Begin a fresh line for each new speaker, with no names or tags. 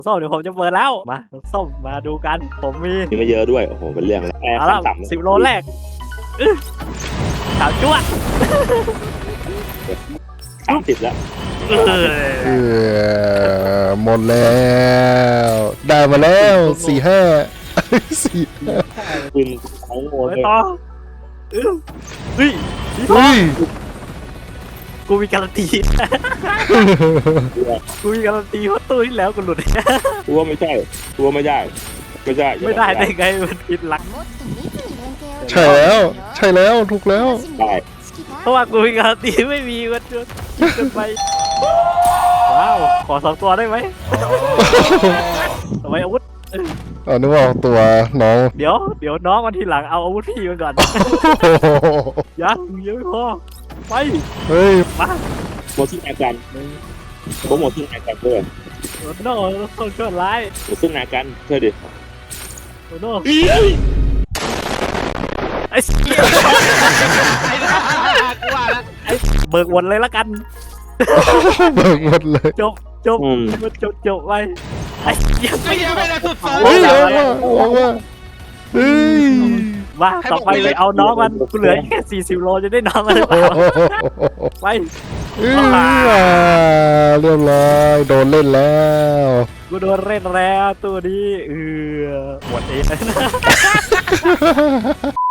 ส้มเดี๋ยวผมจะเปิดแล้วมาส้มมาดูกันผมมี
มีไม่เยอะด้วยโอ้โหเป็นเรื่องแล้วแอร์
เอา
ขั้
ละ
นต่ำ
10 โลแรกสามจ้วด
30แล้ว
เออ
หมดแล้วได้มาแล้ว4-5
ปืนของโง่
ไป
เลย
ต่อเฮ้ยสีทอ
เฮ้
ง
ย
กูมีการันตีกูมีการันตีเพราะตู้ที่แล้วกูหลุด
กูว่าไม่ใช่กูว่าไม่ได้ไม่ได้
ไม่ได้ได้ไงมันผิดหลัก
ใช่แล้วใช่แล้วถูกแล้ว
ได้
เพราะว่ากูมีการันตีไม่มีมันจนเกินไปว้าวขอ2 ตัวได้ไหมทำไมอาวุธ
เอานึกว่าเอาตัวน้อง
เดี๋ยวน้องมันทีหลังเอาอาวุธพี่มันก่อน ยังไม่พอไป
เฮ้ย
มา
หมดซึ่งอาการผมหมดซึ่งอาการด้วย
โอ้โน่ต้องช่วยร้าย
หมดซึ่งอาการเธอดิ
โอ้โน่ไอ้เสี้ยเบิกวนเลยละกัน
เบิกหมดเลย
จบมันจบไปไอ้เสี้ย
ไม่ยังไม่ได้สุด
เฮ้ยเอาว่าเฮ้ย
มาต่อไปเลยเอาน้องมันกูเหลือแค่40 โลจะได้น้องมันหรือเปล่าไป
เฮ้ยเรียบร้อยโดนเล่นแล้ว
กูโดนเล่นแล้วตัวนี้หมดเอง